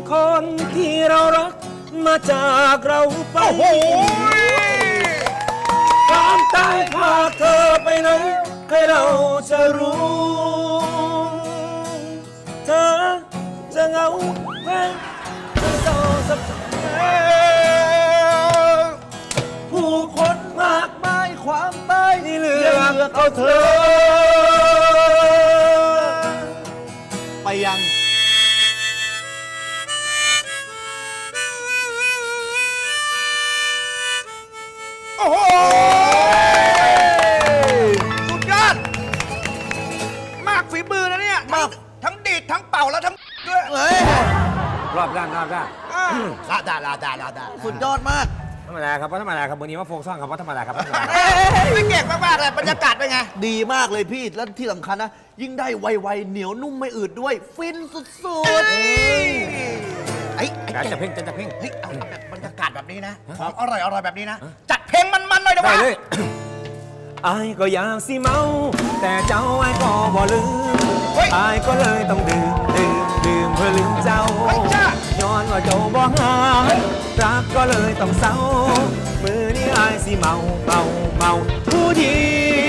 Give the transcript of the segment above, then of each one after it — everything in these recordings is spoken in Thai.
คนที่เรารักมาจากเราไปความตายพาเธอไปไหนใครเราจะรู้เธอจะเหงาแค่เศร้าสักผู้คนมากมายความตายที่เหลือเอาเธอไปยังโอ้โหสุดยอดมากฝีมือนะเนี่ยทั้งดีดทั้งเป่าแล้วทั้งด้วยรอบด้านลาดาสุดยอดมากธรรมดาครับธรรมดาครับวันนี้มาโฟกซ่องครับธรรมดาครับไม่เก่งมากๆเลยบรรยากาศเป็นไงดีมากเลยพี่แล้วที่สำคัญนะยิ่งได้ไวๆเหนียวนุ่มไม่อืดด้วยฟินสุดๆไอ้จะเพ่งจะเพ่งเฮ้ยเอาแบบบรรยากาศแบบนี้นะของอร่อยแบบนี้นะจัดเพลงมันๆหน่อยได้เลยไอ้ก็อยากสิเมาแต่เจ้าไอ้ก็บ่ลืมไอ้ก็เลยต้องดื่มเพื่อลืมเจ้าย้อนว่าเจ้าบ่หายรักก็เลยต้องเศร้ามือนี้ไอ้สิเมาผู้เดี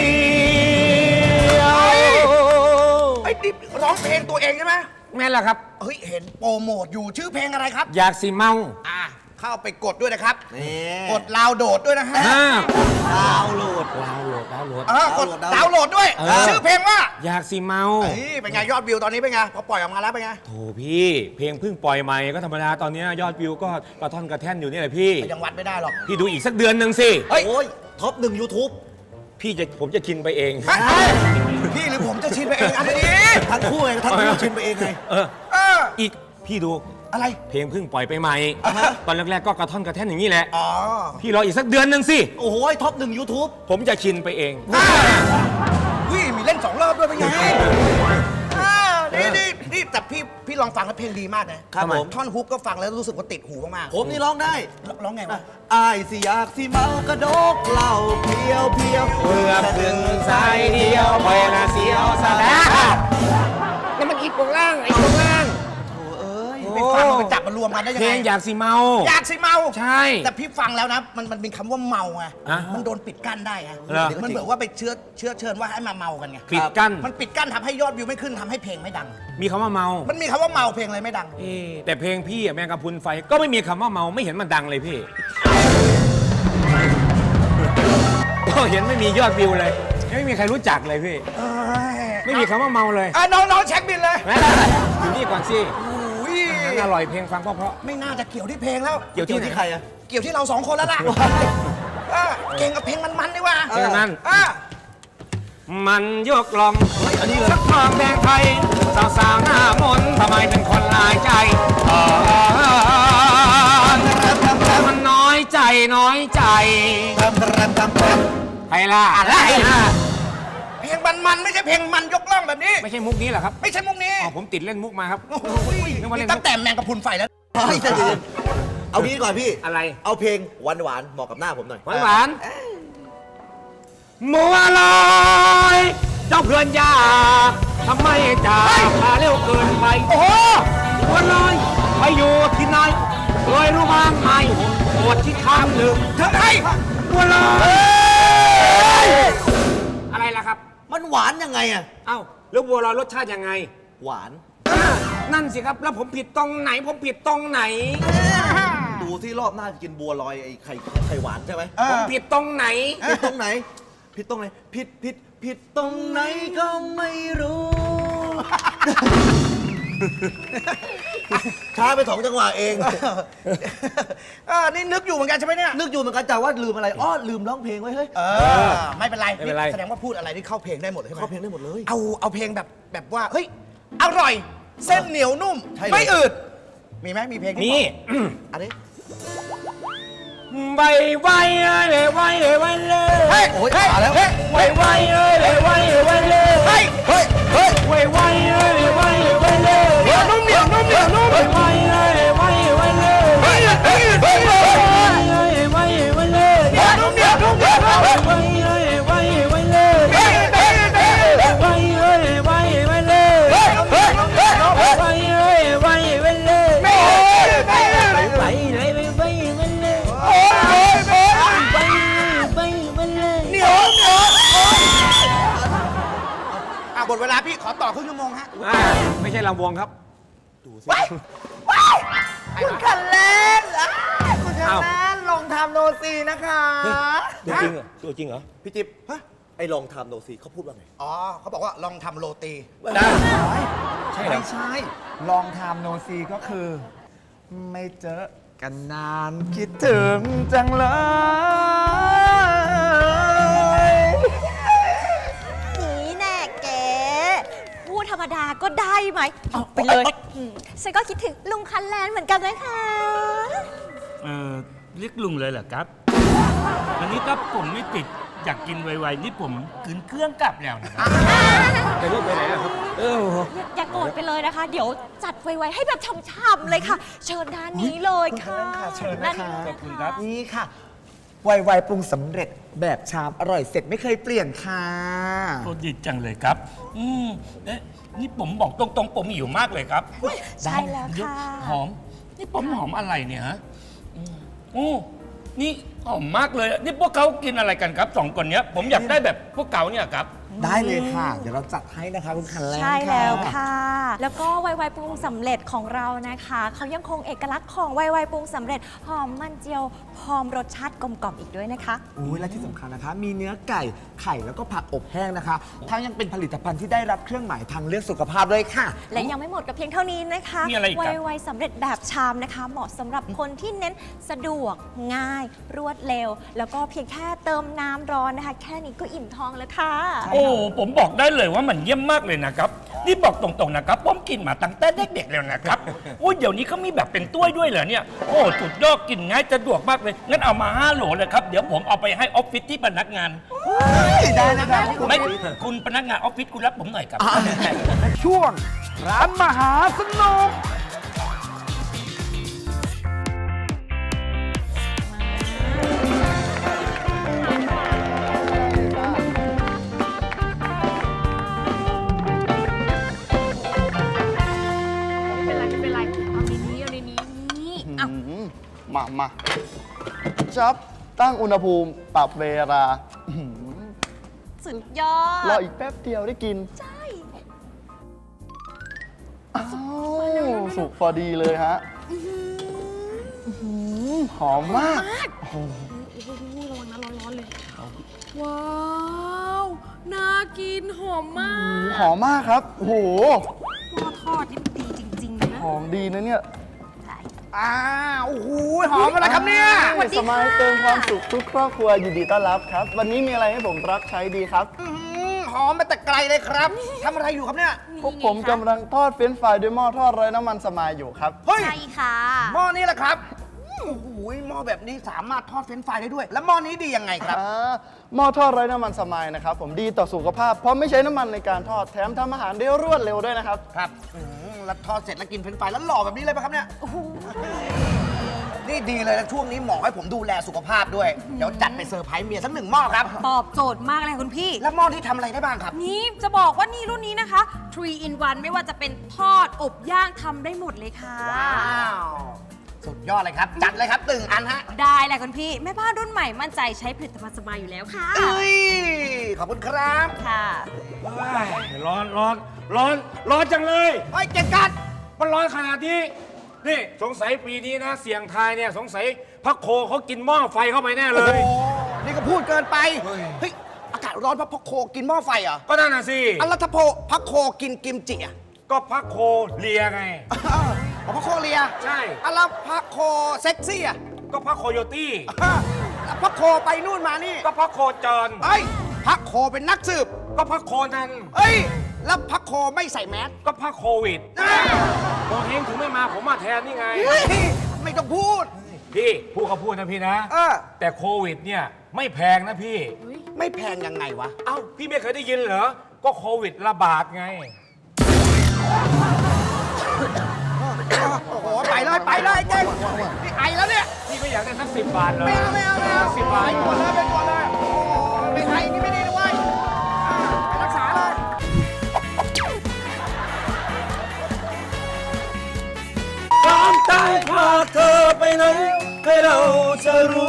ยวไอ้ดิบร้องเพลงตัวเองใช่ไหมแม่นแหละครับเฮ้ยเห็นโปรโมทอยู่ชื่อเพลงอะไรครับอยากสิเมาเข้าไปกดด้วยนะครับกดดาวน์โหลดด้วยนะฮะดาวน์โหลดกดดาวน์โหลดด้วยชื่อเพลงว่าอยากสิเมาเป็นไงยอดวิวตอนนี้เป็นไงพอปล่อยออกมาแล้วเป็นไงโถพี่เพลงเพิ่งปล่อยใหม่ก็ธรรมดาตอนนี้ยอดวิวก็กระท่อนกระแท่นอยู่นี่แหละพี่ยังวัดไม่ได้หรอกพี่ดูอีกสักเดือนหนึ่งสิโอ้ยท็อป1 YouTube ผมจะชินไปเองพี่หรือผมจะชินไปเองอันนี้ทั้งคู่ไงทั้งคู่ชินไปเองไงอีกพี่ดูอะไรเพลงเพิ่งปล่อยไปใหม่ตอนแรกๆก็กระท่อนกระแท่นอย่างนี้แหละพี่รออีกสักเดือนหนึ่งสิโอ้โหท็อป1 YouTube ผมจะชินไปเองมีเล่น2 รอบด้วยเป็นไงนี่แต่พี่ลองฟังแล้วเพลงดีมากนะครับผมท่อนฮุกก็ฟังแล้วรู้สึกว่าติดหูมากๆผมนี่ร้องได้ร้องไงวะอายสิอยากสิเมากระดกเหล้าเพียวเพื่อถึงสายเดียวไปละเสียวสะดาแล้วมันอีกตรงล่างไปฟังไปจับมารวมกันได้ยังไงเพลงอยากสิเมาใช่แต่พี่ฟังแล้วนะมันเป็นคำว่าเมาไงมันโดนปิดกั้นได้ไงมันเหมือนว่าไปเชื้อเชิญว่าให้มาเมากันไงปิดกั้นมันปิดกั้นทำให้ยอดวิวไม่ขึ้นทำให้เพลงไม่ดังมีคำว่าเมามันมีคำว่าเมาเพลงอะไรไม่ดังแต่เพลงพี่แมงกะพรุนไฟก็ไม่มีคำว่าเมาไม่เห็นมันดังเลยพี่ก็เห็นไม่มียอดวิวเลยไม่มีใครรู้จักเลยพี่ไม่มีคำว่าเมาเลยน้องเช็คบินเลยอยู่นี่ก่อนสิอร่อยเพลงฟังเพราะไม่น่าจะเกี่ยวที่เพลงแล้วเกี่ยวที่ใครอะเกี่ยวที่เรา2 คนแล้วล่ะเก่งกับเพลงมันดีกว่าเพลงมันยกลองสักทองแดงไทยสาวหน้ามนทำไมเป็นคนลายใจมันน้อยใจใครล่ะอะไรเพลงมันไม่ใช่เพลงมันยกล่องแบบนี้ไม่ใช่มุกนี้เหรอครับไม่ใช่มุกนี้ผมติดเล่นมุกมาครับตั้งแต่แมงกะพรุนไฟแล้วเอานี้ก่อนพี่อะไรเอาเพลงหวานเหมาะกับหน้าผมหน่อยหวานมัวลอยเจ้าเพื่อนยากทำไมจากมาเร็วเกินไปโอ้โหมัวลอยไปอยู่ที่ไหนเคยรู้บ้างไหมปวดที่ข้างหนึ่งเธอไอ้มัวลอยอะไรล่ะครับมันหวานยังไงอ่ะเอ้าแล้วบัวลอยรสชาติยังไงหวานนั่นสิครับแล้วผมผิดตรงไหนดูที่รอบหน้าจะกินบัวลอยไอ้ไข่หวานใช่ไหมผมผิดตรงไหนผิดตรงไหนผิดตรงไหนก็ไม่รู้ช้าไป2 จังหวะเองนี่นึกอยู่เหมือนกันใช่ไหมเนี่ยนึกอยู่เหมือนกันแต่ว่าลืมอะไรลืมร้องเพลงไว้เฮ้ยไม่เป็นไรแสดงว่าพูดอะไรที่เข้าเพลงได้หมดใช่ไหมเข้าเพลงได้หมดเลยเอาเพลงแบบว่าเฮ้ยอร่อยเส้นเหนียวนุ่มไม่อืดมีไหมมีเพลงนี่อันนี้ไวเลยเฮ้ยโอ้ยมาแล้วไวเลยเลยไวเลยเฮ้ยไวเลยเหนียวนุ่มไวเลยเหนียวนุ่มดเวลาพี่ขอต่อครึ่งชั่วโมงฮะไม่ใช่ลำวงครับคุณคันเล่นคุณคันเล่นลงทำโนซีนะคะตัวจริงเหรอตัวจริงเหรอพี่จิ๊บไอ้ลองทำโนซีเขาพูดว่าไงอ๋อเขาบอกว่าลองทำโรตีได้ใช่ไม่ใช่ ลองทำโนซีก็คือ ไม่เจอกันนานคิดถึงจังเลยนี่แน่เก๋พูดธรรมดาก็ได้ไหมเอาไปเลยฉันก็คิดถึงลุงคันแลนเหมือนกันนะคะเรียกลุงเลยเหรอครับ อันนี้ถ้าผมไม่ติดอยากกินไวๆนี่ผมขืนเครื่องกลับแล้วนะครับจะรีบไปไหนอะครับอย่าโกรธไปเลยนะคะ เดี๋ยวจัดไวๆให้แบบช่ำๆเลยค่ะ เชิญด้านนี้เลยค่ะเชิญนะคะด้าขอบคุณครับนี่ค่ะ ไวๆปรุงสำเร็จแบบชามอร่อยเสร็จไม่เคยเปลี่ยนค่ะโอ้ดีจังเลยครับ เอ๊ะนี่ผมบอกตรงๆ ผมหิวมากเลยครับใช่แล้วค่ะหอม นี่ผมหอมอะไรเนี่ยฮะโอ้นี่หอมมากเลย นี่พวกเขากินอะไรกันครับสองคนเนี้ย ผมอยากได้แบบพวกเขาเนี่ยครับได้เลยค่ะ เดี๋ยวเราจัดให้นะคะคุณคันแลนใช่แล้วค่ะ แล้วก็ไวๆปรุงสำเร็จของเรานะคะ เขายังคงเอกลักษณ์ของไวๆปรุงสำเร็จหอมมันเจียวพร้อมรสชาติกลมกล่อมอีกด้วยนะคะโอ้ยและที่สำคัญนะคะ มีเนื้อไก่ไข่แล้วก็ผักอบแห้งนะคะ ทั้งยังเป็นผลิตภัณฑ์ที่ได้รับเครื่องหมายทางเลือกสุขภาพด้วยค่ะและยังไม่หมดกับเพียงเท่านี้นะคะมีอะไรอีกครับไวๆสำเร็จแบบชามนะคะ เหมาะสำหรับคนที่เน้นสะดวกง่าย รวดเร็ว แล้วก็เพียงแค่เติมน้ำร้อนนะคะ แค่นี้ก็อิ่มท้องแล้วค่ะโอ้ผมบอกได้เลยว่ามันเยี่ยมมากเลยนะครับ นี่บอกตรงๆนะครับผมกินมาตั้งแต่เด็กๆแล้วนะครับโอ้เดี๋ยวนี้เขามีแบบเป็นถ้วยด้วยเหรอเนี่ยโอ้สุดยอดกินง่ายสะดวกมากเลยงั้นเอามา5 โหลเลยครับเดี๋ยวผมเอาไปให้ออฟฟิศที่พนักงานได้นะคะไม่คุณพนักงานออฟฟิศคุณรับผมหน่อยครับช่วงร้านมหาสนุกไม่เป็นไร เอาในนี้นี่เอามาจับตั้งอุณหภูมิปรับเวลาสุดยอรอดอีกแป๊บเดียวได้กินใช่อ้าวสุกพอดีเลยฮะหอมมากโอ้โหระวังนะร้อนๆเลย ว้าว น่ากินหอมมากหอมมากครับ โอ้โหตัวทอดนี่มันดีจริงๆเลยนะหอมดีนะเนี่ยโอ้โหหอมอะไรครับเนี่ยสมัยเติมความสุขทุกครอบครัวยินดีต้อนรับครับ วันนี้มีอะไรให้ผมรับใช้ดีครับหอมมาแต่ไกลเลยครับทำอะไรอยู่ครับเนี่ยพวกผมกำลังทอดเฟรนช์ฟรายด้วยหม้อทอดไร้น้ำมันสมายอยู่ครับเฮ้ยใช่ค่ะหม้อนี้แหละครับโอ้โหหม้อแบบนี้สามารถทอดเฟรนช์ฟรายได้ด้วย แล้วหม้อนี้ดียังไงครับหม้อทอดไร้น้ำมันสมายนะครับผมดีต่อสุขภาพ เพราะไม่ใช้น้ำมันในการทอดแถมทำอาหารได้รวดเร็วด้วยนะครับครับแล้วทอดเสร็จแล้วกินเฟรนช์ฟรายแล้วหล่อแบบนี้เลยปะครับเนี่ยนี่ดีเลยนะช่วงนี้หมอให้ผมดูแลสุขภาพด้วย เดี๋ยวจัดไปเซอร์ไพรส์เมียสัก1 หม้อครับตอบโจทย์มากเลยคุณพี่แล้วหม้อที่ทำอะไรได้บ้างครับนี่จะบอกว่านี่รุ่นนี้นะคะ 3 in 1 ไม่ว่าจะเป็นทอด อบย่างทำได้หมดเลยค่ะว้าวสุดยอดเลยครับ จัดเลยครับ1 อันฮะได้แหละคุณพี่ แม่บ้านรุ่นใหม่มั่นใจใช้ผลิตภัณฑ์สบายอยู่แล้วค่ะเอ้ยขอบคุณครับค่ะร้อนจังเลยไอ้ยเก่งกันมันร้อนขนาดนี้ นี่สงสัยปีนี้นะ เสี่ยงทายเนี่ยสงสัยพักโคเขากินหม้อไฟเข้าไปแน่เลยโอ้นี่ก็พูดเกินไปเฮ้ยอากาศร้อนเพราะพักโคกินหม้อไฟเหรอก็นั่นน่ะสิอันแล้วถ้าพักโคกินกิมจิอ่ะก็พักโคเลียไงเอาพักโคเลียใช่อันแล้วพักโคเซ็กซี่อ่ะก็พักโคโยตี้แล้วพักโคไปนู่นมานี่ก็พักโคจรเอ้ยพักโคเป็นนักสืบก็พักโคนันเอ้ยแล้วพักโคไม่ใส่แมสก็พักโควิดโคเฮงถึงไม่มาผมมาแทนนี่ไงเฮ้ยไม่ต้องพูดพี่พูดเขาพูดนะพี่นะ แต่โควิดเนี่ยไม่แพงนะพี่ไม่แพงยังไงวะเอ้าพี่ไม่เคยได้ยินเหรอ ก็โควิดระบาดไงโอ้โหไปเลยเจ๊งนี่ไอแล้วเนี่ยพี่ก็อยากได้สัก10 บาทเลยไม่เอา 10 บาทไปก่อนเลยโอ้ไม่ไอนี่ไม่ดีนะเว้ยไปรักษาเลยความตายพาเธอไปไหนให้เราจะรู้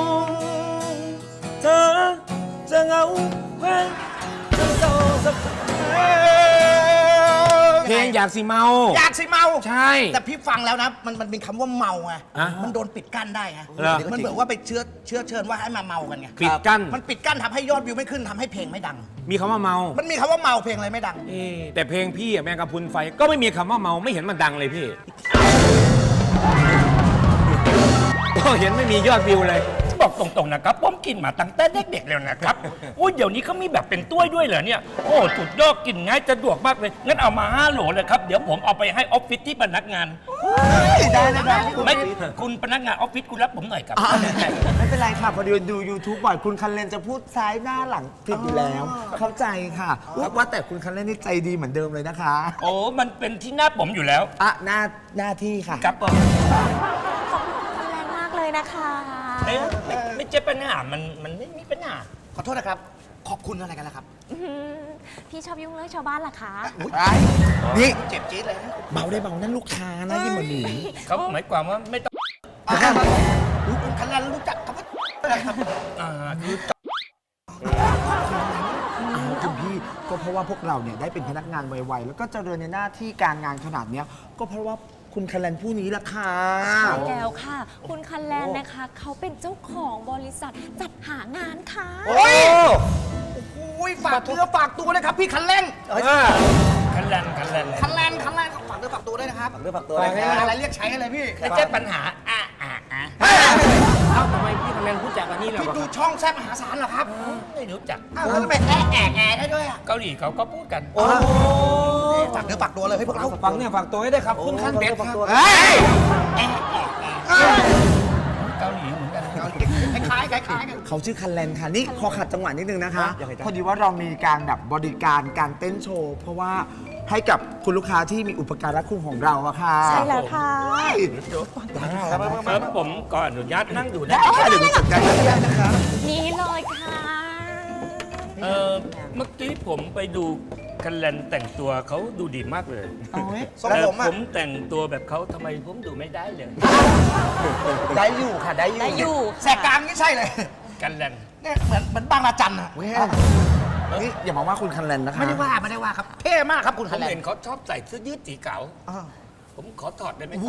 เธอจะเหงาแค่จะเศร้าสักงอยากสิเมาอยากสิเมาใช่แต่พี่ฟังแล้วนะมันมีคำว่าเมาไงอ่ะมันโดนปิดกั้นได้ไงเหรอมันเหมือนว่าไปเชื้อเชิญว่าให้มาเมากันไงปิดกั้นมันปิดกั้นทำให้ยอดวิวไม่ขึ้นทำให้เพลงไม่ดังมีคำว่าเมามันมีคำว่าเมาเพลงอะไรไม่ดังแต่เพลงพี่อะแมงกะพรุนไฟก็ไม่มีคำว่าเมาไม่เห็นมันดังเลยพี่ก็เห็นไม่มียอดวิวเลยบอกตรงๆนะครับผมกินมาตั้งแต่เด็กๆแล้วนะครับอุ้ยเดี๋ยวนี้เขามีแบบเป็นถ้วยด้วยเหรอเนี่ยโอ้สุดยอดกินง่ายสะดวกมากเลยงั้นเอามา5 โหลเลยครับเดี๋ยวผมเอาไปให้ออฟฟิศที่พนักงานได้ได้ไม่คุณพนักงานออฟฟิศคุณรับผมหน่อยครับไม่เป็นไรค่ะ พอดีดู YouTube บ่อยคุณคันเลนจะพูดซ้ายหน้าหลังผิดอยู่แล้ว เข้าใจค่ะว่าแต่คุณคันเลนนี่ใจดีเหมือนเดิมเลยนะคะโอ้มันเป็นที่หน้าผมอยู่แล้วอ่ะหน้าที่ค่ะครับผมขอบคุณแรงมากเลยนะคะไม่ใช่ปัญหามันไม่มีปัญหาขอโทษนะครับ ขอบคุณอะไรกันล่ะครับอื้อหือพี่ชอบยุ่งเรื่องชาวบ้านเหรอคะนี่เจ็บจี๊ดเลยนะเบาได้เบานั่นลูกค้านะยิ่งมาหนีเขาหมายความว่าไม่ต้องรู้คุณคันลันรู้จักคำว่าอะไรครับคือคุณพี่ก็เพราะว่าพวกเราเนี่ยได้เป็นพนักงานไวๆแล้วก็เจริญในหน้าที่การงานขนาดเนี้ยก็เพราะว่าคุณคันเลนผู้นี้ละค่ะใช่แล้วค่ะ คุณคันแลนนะคะ เขาเป็นเจ้าของบริษัทจัดหางานค่ะโอ้ยฝากเนื้อฝากตัวนะครับ พี่คันเร่งคันแลนคันแรงคันแรงฝากเนื้อฝากตัวด้วยนะครับฝากเนื้อฝากตัวอะไรเรียกใช้อะไรพี่ไม่ใช่ปัญหาเอ้าทำไมพี่คันแลนพูดจากอันนี้เหรอพี่ดูช่องแซ่บมหาศาลเหรอครับไม่รู้จักอ้าวแล้วทำไมแอะได้ด้วยอ่ะเกาหลีเขาก็พูดกันฝากเนื้อฝากตัวเลยให้พวกเราฟังเนี่ยฝากตัวให้ได้วยครับคุณขั้นเป็ดครับเกาหลีเหมือนกันคล้ายกันเขาชื่อคันเลนค่ะนี่ขอขัดจังหวะนิดนึงนะคะ พอดีว่าเรามีการแบบบริการการเต้นโชว์ เพราะว่าให้กับคุณลูกค้าที่มีอุปการะคุณของเราอะค่ะใช่แล้วค่ะครับผมก็อนุญาตนั่งดูได้เดี๋ยวหนูจัดการให้ได้นะคะนี่เลยค่ะเมื่อกี้ผมไปดูคันแลนแต่งตัวเขาดูดีมากเลยทรงแต่ผมอ่ะผมแต่งตัวแบบเขาทำไมผมดูไม่ได้เลยได้อยู่ค่ะได้อยู่ได้อยู่แสกกลางนี่ใช่เลยคันแลนเนี่ยเหมือนบางระจันอ่ะนี่อย่ามาว่าคุณคันเลนนะคะไม่ได้ว่าครับเท่มากครับคุณผคันมแรงเห็นเขาชอบใส่เสื้อยืดสีขาวผมขอถอดได้ไหมครับ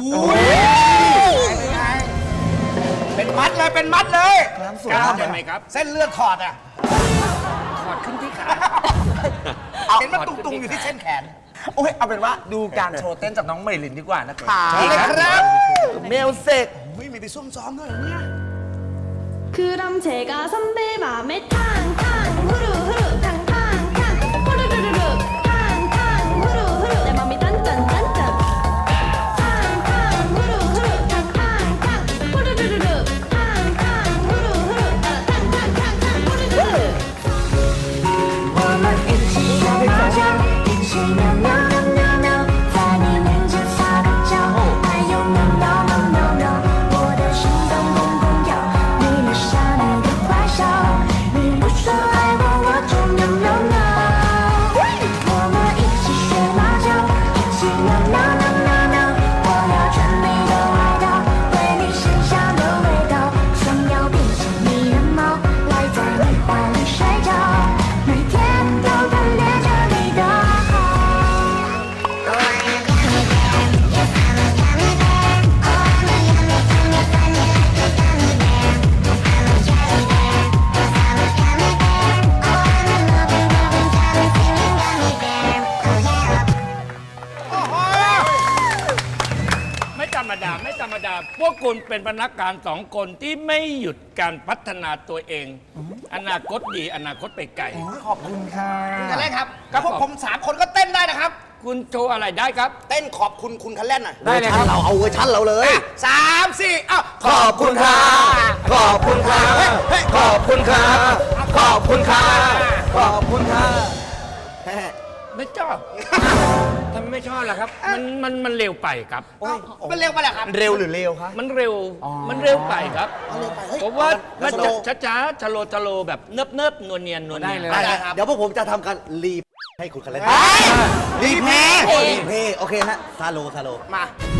เป็นมัดเลยกล้าได้ไหมครับเส้นเลือดถอดอ่ะถอดขึ้นที่ขาเห็นมันตุงๆอยู่ที่เส้นแขนโอ้ยเอาเป็นว่าดูการโชว์เต้นจากน้องเมลินดีกว่านะคะใช่เลยครับเมลเซกไม่มีไปซุ่มซ้อมด้วยเหรอเนี่ย 그럼 제가 선배 맘에 탕탕 후루 후루 탕탕 탕 후루루루루 탕탕 후루 후루 내 맘이 단짠 단짠 탕탕 후루 후루 탕탕 탕 후루루루루 탕탕 후루 후루 탕탕 탕탕 후루루루我们一起学猫叫，一起喵喵喵喵喵，在你面前撒个娇，还有喵喵喵喵喵，我的心脏砰砰跳，你留下你的坏笑，你不说爱我，我就喵喵喵。我们一起学猫叫，一起喵喵喵喵喵，我要穿你的外套，对你身上的味道，想要变成你的猫，赖在你怀里睡觉，每天都贪恋着你的好。 ไม่ธรรมดาไม่ธรรมดา พวกคุณเป็นพนักงาน2 คนที่ไม่หยุดการพัฒนาตัวเอง อนาคตดีอนาคตไปไกลขอบคุณค่ะคันแรกครับกับพวกผม3 คนก็เต้นได้นะครับคุณโชว์อะไรได้ครับเต้นขอบคุณคุณคันแล่นหน่อยได้เลยครับเราเอาเวอร์ชันเราเลย3 4อ้าวขอบคุณค่ะขอบคุณค่ะขอบคุณค่ะขอบคุณค่ะขอบคุณค่ะไม่ชอบทำไมไม่ชอบล่ะครับ มันเร็วไปครับมันเร็วไปเหรอครับเร็วหรือเร็วคะมันเร็วมันเร็วไปครับเร็วไปเฮ้ยผมว่าแล้มันวจะช้าๆชะโลแบบเนิบๆนวลเนียนได้เลยได้ครับเดี๋ยวพวกผมจะทำการรีบให้คุณคันเล่นรีเพย์รีเพย์โอเคฮะซาโลมา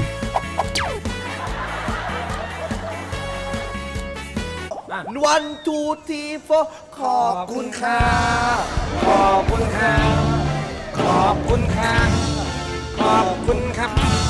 วันทูทีโฟขอบคุณค่ะขอบคุณค่ะขอบคุณค่ะขอบคุณครับ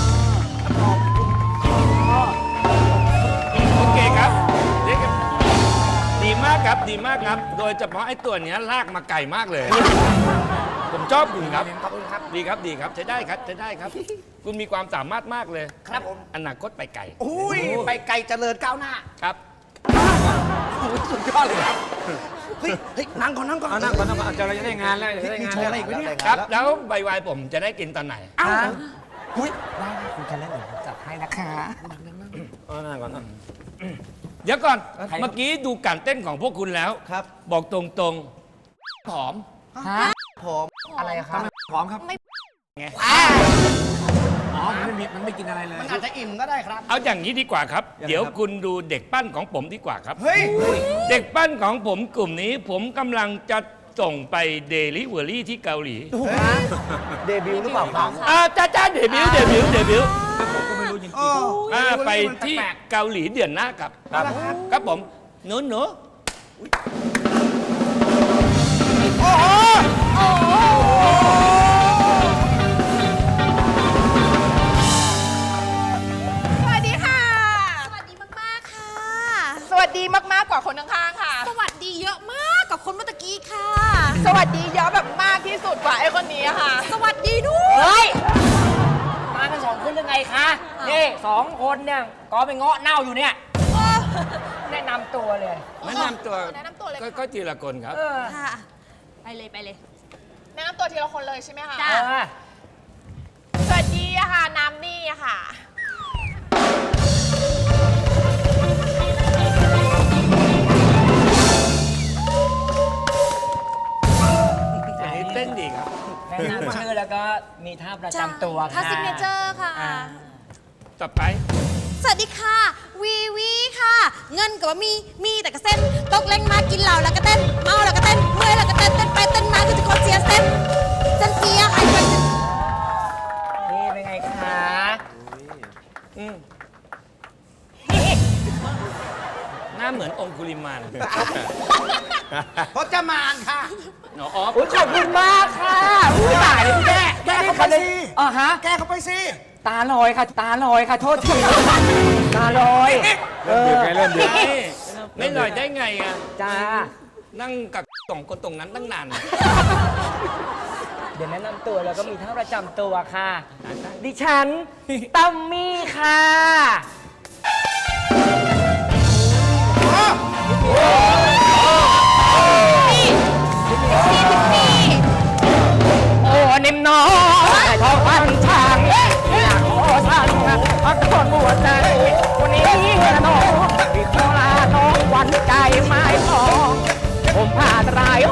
โอเคครับนี่ครับดีมากครับดีมากครับ โดยเฉพาะไอ้ตัวเนี้ยลากมาไกลมากเลย ผมชอบคุณครับขอบคุณครับดีครับดีครับใช้ได้ครับใช้ได้ครับ คุณมีความสามารถมากเลยครับผมอนาคตไปไกลอุ้ยไปไกลเจริญก้าวหน้าครับสุดยอดเลยครับเฮ้ยนั่งก่อนนั่งก่อนเอานั่งก่อนนั่งก่อนจะได้งานแล้วจะได้งานโชว์อะไรอีกไหมเนี่ยครับ แล้วใบวายผมจะได้กินตอนไหนอุ้ยได้ค่ะคุณคะแนนเดี๋ยวผมจัดให้นะคะเอานั่งก่อนเดี๋ยวก่อน เมื่อกี้ดูการเต้นของพวกคุณแล้วครับบอกตรงๆผอมผมอะไรอะครับพร้อมครับไงอ๋อมันไม่กินอะไรเลยมันอาจจะอิ่มก็ได้ครับเอาอย่างนี้ดีกว่าครับยังไงครับเดี๋ยวคุณดูเด็กปั้นของผมดีกว่าครับเฮ้ยเด็กปั้นของผมกลุ่มนี้ ผมกำลังจะส่งไปเดลิเวอรี่ที่เกาหลีเดบิวต์หรือเปล่าครับจ้าเดบิวต์ผมก็ไม่รู้จริงไปที่เกาหลีเดือนหน้าครับ ครับผมหนูสวัสดีค่ะสวัสดีมากๆค่ะสวัสดีมากๆกว่าคนข้างๆค่ะสวัสดีเยอะมากกับคนเมื่อตะกี้ค่ะสวัสดีเยอะแบบมากที่สุดกว่าไอ้คนนี้ค่ะสวัสดีด้วยเฮ้ย มากัน2 คนยังไงคะ นี่2 คนเนี่ยก็ไปเงาะเน่าอยู่เนี่ย แนะนำตัวเลยๆแนะนำตัวแนะนำตัวเลยค่ะก็ทีละคนครับค่ะ ไปเลยไปเลยแนะนำตัวทีละคนเลยใช่ไหมคะจ้ะสวัสดีอะค่ะ น้ำนี่อะค่ะอันนี้เต้นดีครับแนะนำชื่อแล้วก็มีท่าประจำตัวท่าค่ะซิกเนเจอร์ค่ะต่อไปสวัสดีค่ะ วีวีค่ะ เงินกับว่ามีแต่กระเส้นตกเล่งมากินเหล้าแล้วก็เต้น เมาแล้วก็เต้น เมื่อยแล้วก็เต้น เต้นไปเต้นมาคือจะคนเสียเส้นเส้นเสียไอ้คนจะนี่เป็นไงคะหน้าเหมือนองคุลิมานพจมานค่ะอ๋อขอบคุณมากค่ะอุ้ยตายเลยแก้เข้าไปสิฮะแกเข้าไปสิตาลอยค่ะ ตาลอยค่ะ โทษที ตาลอยเริ่มดึกไงเริ่มดึกไม่หน่อยได้ไงอ่ะจ้านั่งกับ2 คนตรงนั้นตั้งนานเดี๋ยวแนะนำตัวแล้วก็มีท่าประจำตัวค่ะ ดิฉัน ตัมมี่ค่ะ โอ้นิ่มน้อยทองพันช่างอยากขอสั่งพักคนบัวใจวันนี้นะน้องที่ขอลาน้องวันใจไม่พอผมผ่านรายโอ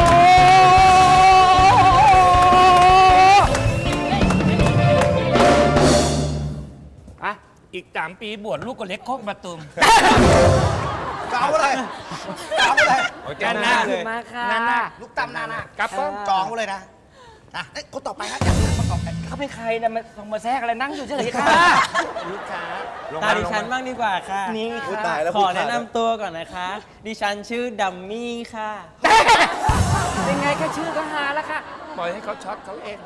อะอีก3 ปีบวชลูกก็เล็กโคกมาตุมเก่าอะไรเก่าอะไรโอ้ยแกหน้าเลยมาค่ะลูกตำนานาครับผมจองไว้เลยนะนะเอ้ยคนต่อไปฮะอยากคนต่อไปเขาเป็นใครนะมาส่งมาแทรกอะไรนั่งอยู่เฉยๆค่ะลูกค้าตาดิฉันบ้างดีกว่าค่ะนี่อุ๊ยค่ะตายแล้วขอแนะนำตัวก่อนนะคะ ดิฉันชื่อดัมมี่ค่ะเป็นไงแค่ชื่อก็ฮาแล้วค่ะปล่อยให้เขาช็อตเขาเอง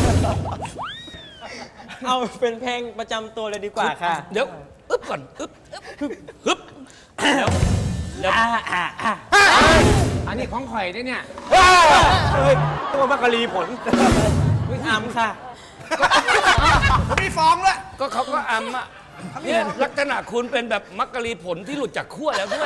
เอาเป็นเพลงประจำตัวเลยดีกว่าค่ะเดี๋ยวอึ๊บก่อนอึ๊บฮึบเดี๋ยวอันนี้ของข่อยด้วยเนี่ยตัวมักกะลีผลวิอามค่ะผมมีฟ้องด้วยก็เขาก็อำอ่ะเนี่ยลักษณะคุณเป็นแบบมักกะลีผลที่หลุดจากขั้วแล้วด้วย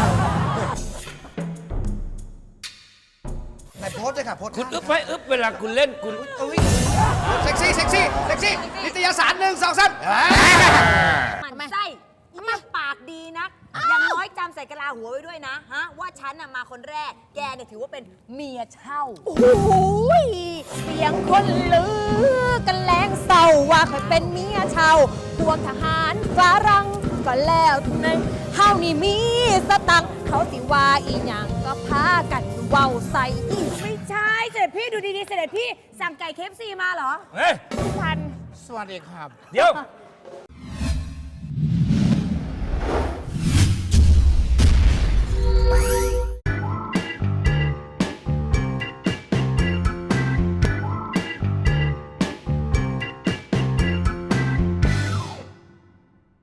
ไหนโพสเลยค่ะโพสคุณอึ๊บไว้อึ๊บเวลาคุณเล่นคุณอุ้ยเซ็กซี่เซ็กซี่เซ็กซี่นิตยสาร1 2 3 มันไส้มันปากดีนัก อย่างน้อยจำใส่กะลาหัวไว้ด้วยนะฮะ ว่าฉันน่ะมาคนแรก แกเนี่ยถือว่าเป็นเมียเช่า โอ้โหเสียงคนลือกันแรงเศร้าว่าเคยเป็นเมียเช่า พวกทหารฝรั่งก็แล้วทุกนั้นเฮานี่มีสตังค์เขาสิว่าอีหยังก็พากันเว้าใส่อีไม่ใช่เสด็จพี่ดูดีๆเสด็จพี่สั่งไก่เคฟซีมาเหรอเฮ้ยพันเดี๋ยว